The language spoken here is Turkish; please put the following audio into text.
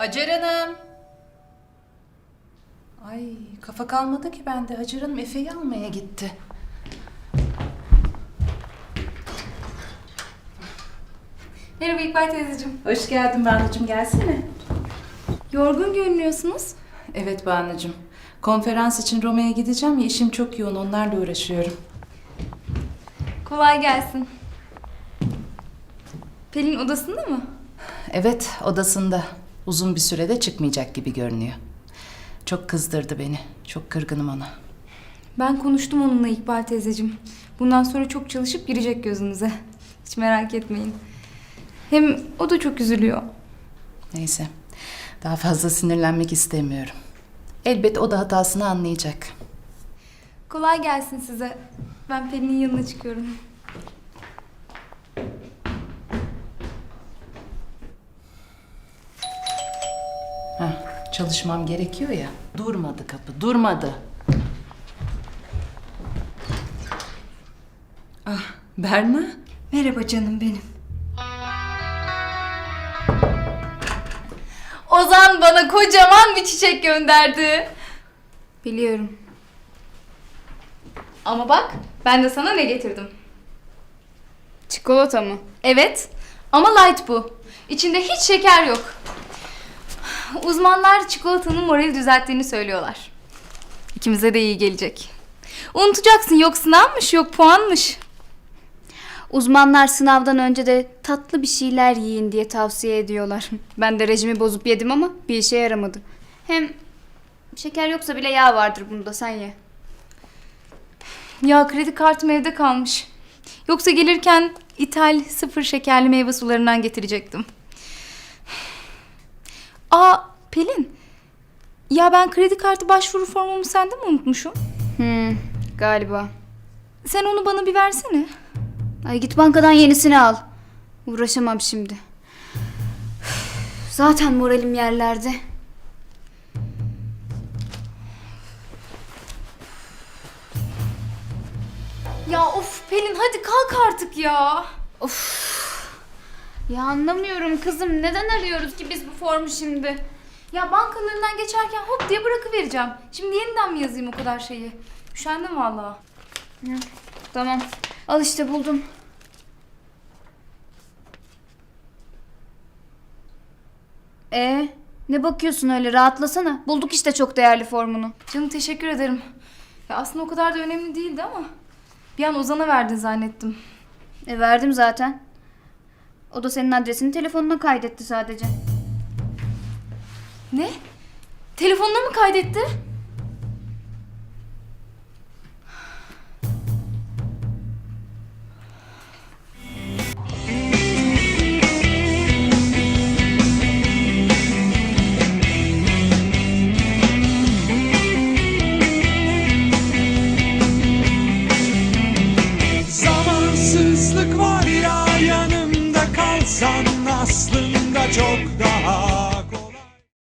Hacer Hanım. Ay kafa kalmadı ki bende. Hacer Hanım Efe'yi almaya gitti. Merhaba İkbal teyzeciğim. Hoş geldin Banu'cum, gelsene. Yorgun görünüyorsunuz. Evet Banu'cum. Konferans için Roma'ya gideceğim ya, işim çok yoğun, onlarla uğraşıyorum. Kolay gelsin. Pelin odasında mı? Evet, odasında. Uzun bir sürede çıkmayacak gibi görünüyor. Çok kızdırdı beni. Çok kırgınım ona. Ben konuştum onunla İkbal teyzeciğim. Bundan sonra çok çalışıp girecek gözünüze. Hiç merak etmeyin. Hem o da çok üzülüyor. Neyse. Daha fazla sinirlenmek istemiyorum. Elbet o da hatasını anlayacak. Kolay gelsin size. Ben Pelin'in yanına çıkıyorum. Heh, çalışmam gerekiyor ya. Durmadı kapı, durmadı. Ah, Berna. Merhaba canım benim. Ozan bana kocaman bir çiçek gönderdi. Biliyorum. Ama bak, ben de sana ne getirdim. Çikolata mı? Evet. Ama light bu. İçinde hiç şeker yok. Uzmanlar çikolatanın morali düzelttiğini söylüyorlar. İkimize de iyi gelecek. Unutacaksın, yok sınavmış, yok puanmış. Uzmanlar sınavdan önce de tatlı bir şeyler yiyin diye tavsiye ediyorlar. Ben de rejimi bozup yedim ama bir işe yaramadı. Hem şeker yoksa bile yağ vardır bunda, sen ye. Ya kredi kartım evde kalmış. Yoksa gelirken ithal sıfır şekerli meyve sularından getirecektim. Aa Pelin. Ya ben kredi kartı başvuru formumu sende mi unutmuşum? Galiba. Sen onu bana bir versene. Ay git bankadan yenisini al. Uğraşamam şimdi. Zaten moralim yerlerde. Ya of Pelin hadi kalk artık ya. Ya anlamıyorum kızım, neden arıyoruz ki biz bu formu şimdi? Ya bankanın önünden geçerken hop diye bırakıvereceğim. Şimdi yeniden mi yazayım o kadar şeyi? Üşendim vallahi. Tamam, al işte buldum. Ne bakıyorsun öyle, rahatlasana. Bulduk işte çok değerli formunu. Canım teşekkür ederim. Ya aslında o kadar da önemli değildi ama bir an Ozan'a verdin zannettim. Verdim zaten. O da senin adresini telefonuna kaydetti sadece. Ne? Telefonuna mı kaydetti? Zamansızlık var ya, yanımda kalsan aslında çok da